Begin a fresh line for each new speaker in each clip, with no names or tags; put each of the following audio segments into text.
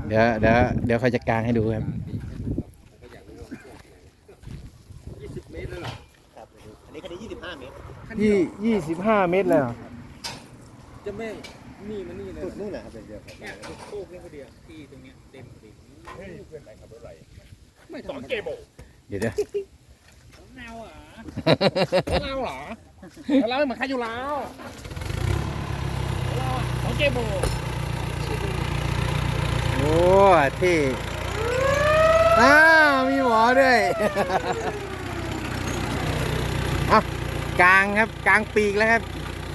เดี๋ยวเขาจะกางให้ดูครับ
20 เมตรเลยเหรอครับอันนี้คันนี้25 เมตร
25 เมตรเลยเหรอ
จะไม่นี่มันนี่เลยสุดนู่นนะครับเดียวครับเนี่ยโค้งนี่พอดีที่ตรงเนี้ยเต็มพอดีเฮ้ยเพื่อนไหนขับรถอะไรไม่สอนเกม
เดี๋ยว
เน่าเหรอเน่าเหรอแล้วเหมือนใครอยู่แล้วสองเกม
โอ้ที่มีหมอด้วยกลางครับกลางปีกแล้วครับ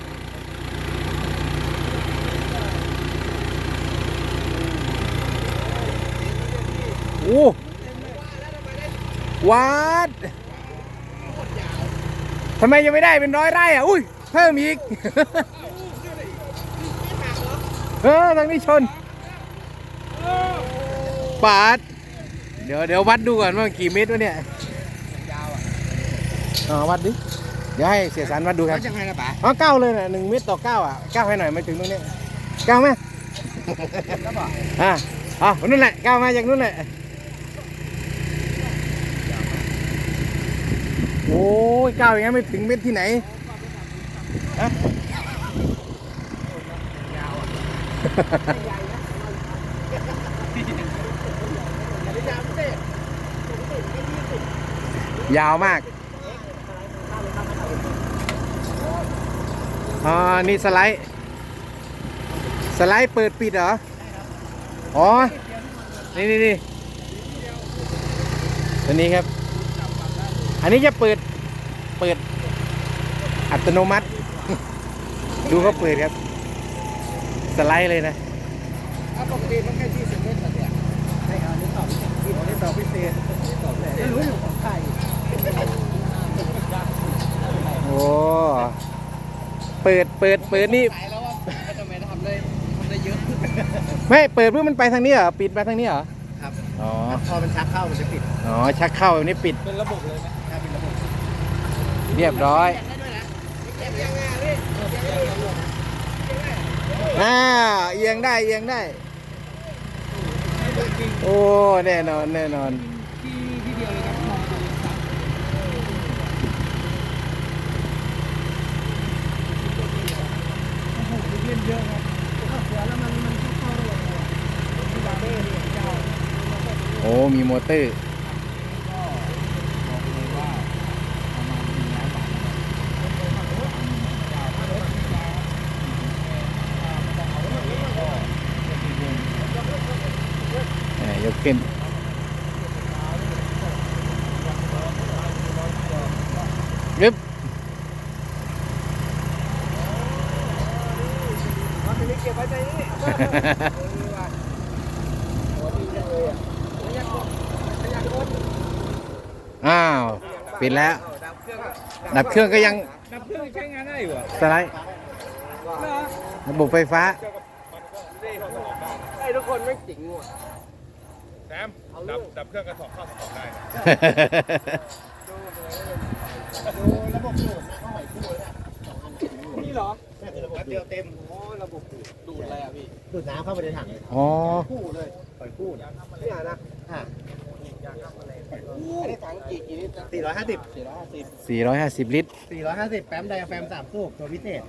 โอ้วัดทำไมยังไม่ได้เป็น100 ไร่อ่ะอุ้ยเพิ่มอีกทางนี้ชนปาดเดี๋ยววัดดูก่อนว่ากี่เมตรวะเนี่ยวัดดิเดี๋ยวให้เสียสารวัดดูครับ
ยังไงนะป๋
า9เลยนะ1 เมตรต่อ 9อ่ะ9ให้หน่อยมาถึงตรงนี้9ไหมนู่นแหละ9มาจากนู่นแหละโอ้ย9อย่างนั้นไม่ถึงเมตรที่ไหนยาวมากนี่สไลด์เปิดปิดเหรออ๋อนี่ตัวนี้ครับอันนี้จะเปิดอัตโนมัติดูเขาเปิดครับสไลด์เลยนะ
ปกติมันแค่20 เมตรเนี่ยใช่ครับนี่ตอบพิเศษไม่รู้อยู่ของใคร
โอ้เปิดนี่
แล้วว่าทำไมทำได้เยอะ
ไม่เปิดเพื่อมันไปทางนี้เหรอปิดไปทางนี้เหรอ
ครับ
อ๋อ
พอมันชักเข้ามันจะปิด
ชักเข้าแบบนี้ปิด
เป็นระบบเลยไหมครับเป็นระบบ
เรียบร้อยเอียงได้โอ้แน่นอน
ที่เดียวเลยครับมองดูเล่นเยอะครับเสือแล้วมันเข้าได้ยังไงที่บาเบ้เนี่ยเจ้า
โอ้มีมอเตอร์ยกขึ้นยึบ
เก็บไว้ใจนี่
ปิดแล้วดับเครื่องก็ยัง
ใช้งานได้อยู่
สไลด์ระบบไฟฟ้า
ไอ้ทุกคนไม่จริงว่ะ
แซมดับเครื่องกระสอบเข้าสอบได้
ดูระบบดูดเข้าไหวคู่เลยนี่เหรอระบบเดียวเต็มระบบดูดอะไรอ่ะพี่ดูดน้ำเข้าไปในถังคู่เลยปล่อยคู่นี่นะอันนี้ถังกี่ลิตร
450 ลิตร
450แป๊มไดอะแฟม3 สูบตัวพิเศษ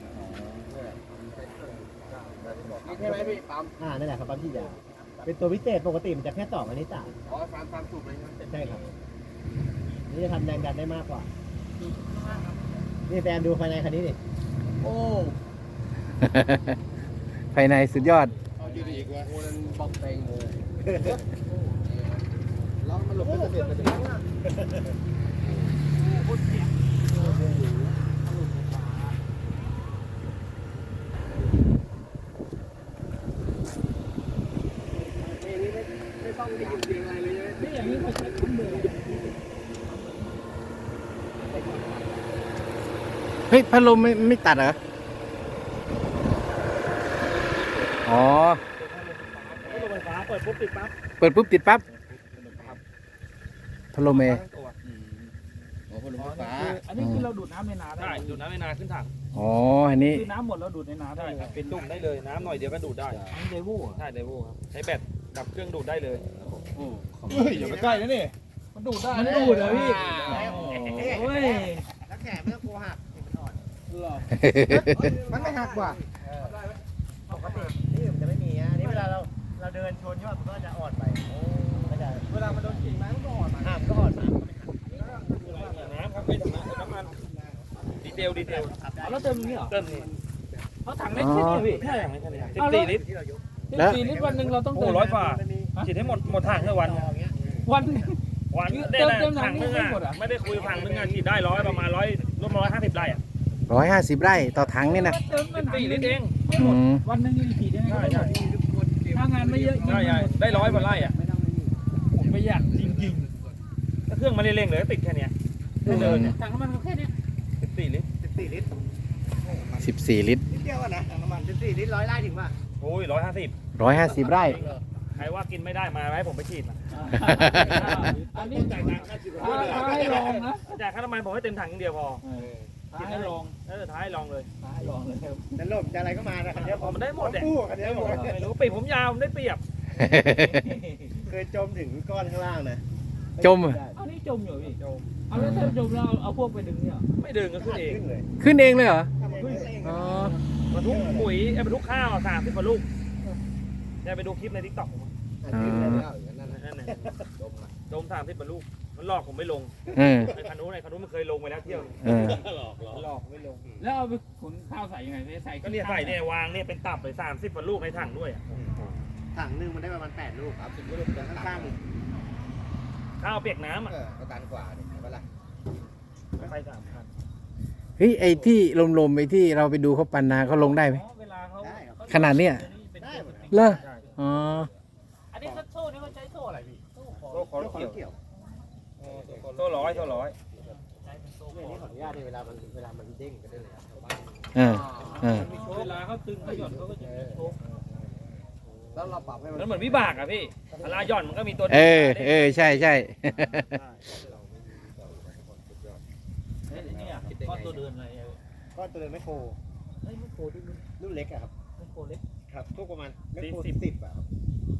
ใช่ไหมพี่ปั๊มนั่นแหละครับปั๊มที่ยาวเป็นตัวพิเศษปกติมันจะแค่2 อันนี้3 สูบเลยใช่ครับนี่จะทำแรงดันได้มากกว่านี่แฟนดูภายในคันนี้ดิโอ้
ภายในสุดยอด
ยืดอีกวะโอ้นั่นบอกเต็งเลยแล้วมันหลบไม่สำเร็จเลยไม่ต้องได้ยินเสียงอะไรเลยนี่อย่างนี้เขาใช้คุ้มเลย
เฮ้ยพัดลมไม่ตัดเหรออ๋อ
ไฟฟ้าเปิดปุ๊บติดปั๊บ
พัดลม
พัดลมไฟฟ้าอันนี้คือเราดูดน้ำในนาได้
ดูดน้ำในนาขึ้นถัง
อันนี้
คือน้ำหมดเราดูดในนาได้
เป็นตุ่มได้เลยน้ำหน่อยเดียวก็ดูดได้
เดโว่
ใช่เดโว่ครับใช้แบตดับเครื่องดูดได้เลย
เฮ้ยอย่าไปใกล้นะนี่มันดูดได้
มันดูดเหรอพี่โอ้ย
แล้วแขนไม่ต้องกลัวหักมันอ่อน
มันไม่หักว่ะ
ปกตินี่มันจะไม่มีนะนี่เวลาเราเดินชนใช่ป่ะมันก็จะอ่อนไปก็จะ
เวลามันโดนกิ่งไม้มันก็อ่อนมา
มันก็อ่อนมา
น้ำครับไม่ถึงน้ำมันดีเทล
แล้วเติมอย่างนี้เหรอ
เติมนี่
เขาถังเล็กแค่นี้พี่
ใช่อย่างนี้แค่นี้
เอาแล้ว
14 ลิตร
14 ลิตรวันหนึ่งเราต้อง
โอ้
เติม
100กว่าฉีดให้หมดถังแค่วัน
วัน
วัน
เติ
ได้
มเติมถั
ถั
ง
ง
นี่
นึง
ไม่หมดอ่ะ
ไม่ได้คุยถังนึงฉีดได้ประมาณ100รวม150 ไร่อ่ะ
150 ไร่ต่อถังนี่นะ
เติมมันถัง
14 ลิตรเอง
ไม่หมด
อืม
วันหนึ่งนี่ฉีดยังไงก็ไม่หมดถ้างานไม่เยอะ
ใช่ได้100 กว่าไร่อ่ะ
ผมประหยัดจริง
ถ้าเครื่องมันเร่งๆเลยติดแค่เนี้ยเดินเนี่ย
ๆถังน้ำมันก็แค่นี้
14 ลิตร
14 ลิตร
14 ลิตร
นิดเดียวอ่ะนะถังน้ำมัน14 ลิตร100 ไร่ถึงป่ะ
โอ้ย150
150 ไร่
ใครว่ากินไม่ได้มาให้ผมไปฉีดมา
อันนี้จ่ายตังค์ให้ลองนะ
จ่ายค่าน้ำมันผมให้เต็มถังอย่างเดียวพอ
ท้ายลอง
ท้ายลองเลย
ท้ายลองเลยครับ
จะล่มจะอะไรก็มานะคันนี้
ผมมันได้หมดแหละ
คู่คันนี้หมด
ไม่รู้ปีกผมยาวผมได้เปรียบ
เคยจมถึงก้อนข้างล่างนะ
จมอะ
เอานี่จมอยู่พี่เอาแล้วถ้าจมแล้วเอาพวกไปดึงเนี่ย
ไม่ดึงก็ขึ้นเอง
ขึ้นเลย
ขึ้นเองเลยเหรอ
ขึ้นเอง
อ๋อ
บรรทุกปุ๋ยบรรทุกข้าว30 กว่าลูกเนี่ยไปดูคลิปในทิกตอกผม
ขึ้นเลยแล้วอย่างนั้นนะ
นั่นน่ะจม30 กว่าลูกมันหลอกผมไม่ลง
เออ
ไอ้คันนู้นมันเคยลงไปแล้วเที่ยว
เออ
หลอกไม่ลง
แล้วเอาไปขุนข้าวใส่ยังไงใส่
ก็เนี่ยใส่เนี่ยวางเนี่ยเป็นตับเลย30 กว่าลูกในถังด้วย
ถังนึงมันได้ประมาณ8 ลูกครับ10 ลูกแล้วข้างๆอีก
ข้าวเปียกน้ำอ่ะ
ก็ตันกว่าเนี่ยเวลา
ไป3 คัน
เฮ้ยไอ้ที่ลมๆไอ้ที่เราไปดูเขาปั่นนาเขาลงได้ไหม
เวลาเขา
ได้ครับ
ขนาดเนี้ย
ได้หมด
เหรออ๋อ
อันนี้โซ่นี่เขาใช้โซ่อะไรพี่
โซ่คอ
เกี่ยว
เกี่ยว
เกี่ยว
โซ่ร้อย
เนี่ยนี่ขออนุญาตเวลามันเด้งก็ได้เลยครับ
เออเออ
เวลาเขาตึงเขาหย่อนเขาก็จะมีโชค
แล้วเราปรับให้มัน
มันเหมือนวิบากอ่ะพี่เวลาหย่อนมันก็มีตัว
เออใช่ใช่
เนี่ยก้อนตัวเดินอะไร
ก็ตัวเดินไม่โคร
เฮ้ยไม่โคดิ
รุ่นเล็กอะครับ
ไม่โคเล็ก
ครับทุกประมาณไม่โคร10อะครับ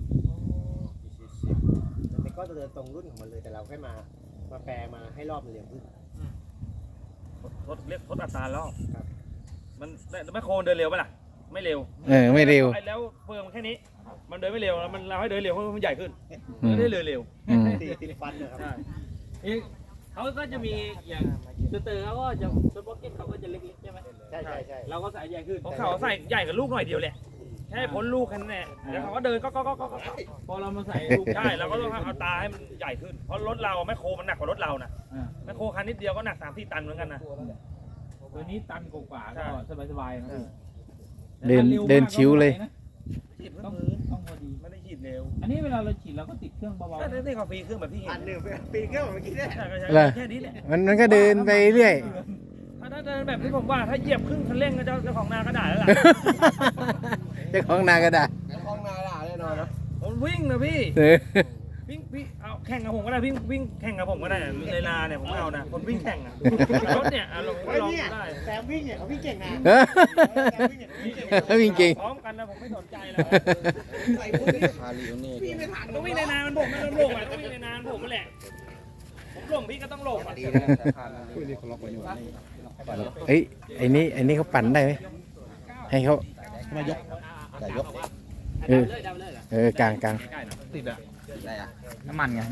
มันเป็นก้อนตัวเดินตรงรุ่นของมันเลยแต่เราแค่มาแปลมาให้รอบมันเร็วขึ้น
เรียกทดอัตรารอบ
ครับ
มันไม่โคเดินเร็วป่ะล่ะไม่เร็ว
เออไม่เร็ว
แล้วเฟิร์มแค่นี้ มันเดินไม่เร็วมันเราให้เดินเร็วเพราะมันใหญ่ขึ้น
อืม
ไม่ได้เดินเร็ว
อืม
40 ฟันนะครับ
ใช่
เขาก็จะมีอย่างสเตอร์เขาก็จะสป็อกเก็ตเขาก็จะเล็กๆใช่ไหม
ใช่
เราก็ใส่ใหญ่ขึ้น
ของเขาใส่ใหญ่กับลูกหน่อยเดียวแหละแค่พ้นลูกแค่นั้นแหละแล้วเขาก็เดินก็
พอเรามาใส่ลูก
ใช่เราก็ต้องเอาตาให้มันใหญ่ขึ้นเพราะรถเราแมคโครมันหนักกว่ารถเรานะแมคโครคันนิดเดียวก็หนัก3-4 ตันเหมือนกันนะ
ตัวนี้ตันกว่าๆก็สบายๆนะพี่
เดินชิวเลย
ฉีด
ต้อง
มือ
ต้องพอดี
ไม่ได้ฉีดเร็ว
อันนี้เวลาเราฉีดเราก็ติดเครื่องเบา
ก็ได้กาแฟเครื่องแบบที่เห็
อั
น
นหนึ่งปีเครื่องเมื่อกี้เนี่ย
ใช่ก็ใช่
เหรอ
แค่นี้แหละ
มันก็เดินไปเรื่อย
ถ้าเดินแบบที่ผมว่าถ้าเหยียบครึ่งคันเร่งก็เจ้าของนาก็ด่าแล้วล่ะ
เจ้าของนาก็ได้
ห้องนาด่าแน่นอนนะ
ผมวิ่งนะพี่
เออ
วิ่งพี่เอาแข่งกับผมก็ได้วิ่งแข่งกับผมก็ได้ในนาเนี่ยผมเอานะคนวิ่งแข่งอ่ะรถเนี่ยลอง
เฮ้ย
ลอง
เนี่ย
ได้
แซมวิ่งเนี่ยเขาวิ่งเก่งนะ
เออ
แซมวิ่งเนี่ยวิ่งเก่ง
วิ่งเก่ง
พร้อมกันนะผมไม่สนใจแล้ว
ใส่พวกนี้พี่ไม่ทัน
ต้องวิ่งในนามันผมไม่ต้องหลงอ่ะต้องวิ่งในนามันผมนั่นแหละผมหลงพี่ก็ต้องหลงอ่ะ
เอ้ยไอ้นี่เขาปั่นได้ไหมให้เขา
มายก
เออ
ๆ
เออกลาง
ติดอะน้ำมันไง